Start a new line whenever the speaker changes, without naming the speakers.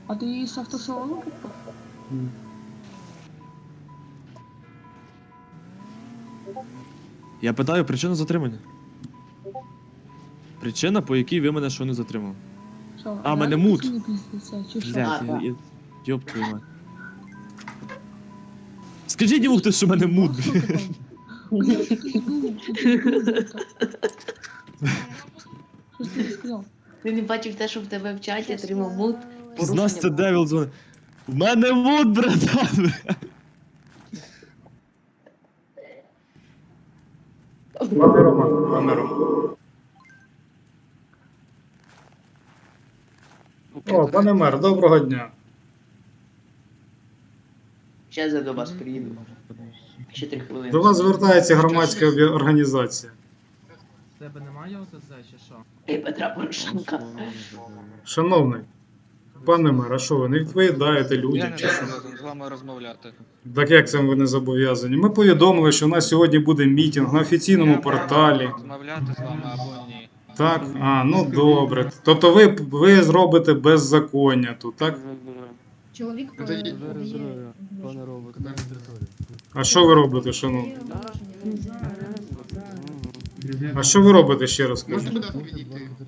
А ти з автосалону купив?
Я питаю причину затримання. Причина, по якій ви мене що не затримали.
Що,
А, мене
реально
мут.
пацани піздяться, чи що?
Блядь,
да.
ёб твою мать. Скажіть йому хтось, що в мене мут,
Що
блядь.
ти там? Блядь, ти був, чи ти був, Що ж ти не сказав?
Ти не бачив те, що в тебе в чаті отримав мут.
З нас це Девіл дзвонить. В мене мут, братан.
Пане Роман, пане Роман. О, пане мер, доброго дня.
Зараз я до вас приїду. Ще 3 хвилини.
До вас звертається громадська організація.
В тебе немає ОТЗ чи що?
Ей, Петра Порошенка.
Шановний, пане мер, а що ви не відповідаєте
Я
людям?
не
Чи що?
зобов'язаний з вами розмовляти.
Так як це ви не зобов'язані? Ми повідомили, що у нас сьогодні буде мітинг на офіційному
Я
порталі.
можу розмовляти з вами або ні.
Так? А, ну добре. Тобто ви зробите беззаконня тут, так?
Чоловік
Пане робот,
А що ви робите, шановний? А що ви робите, ще раз кажу?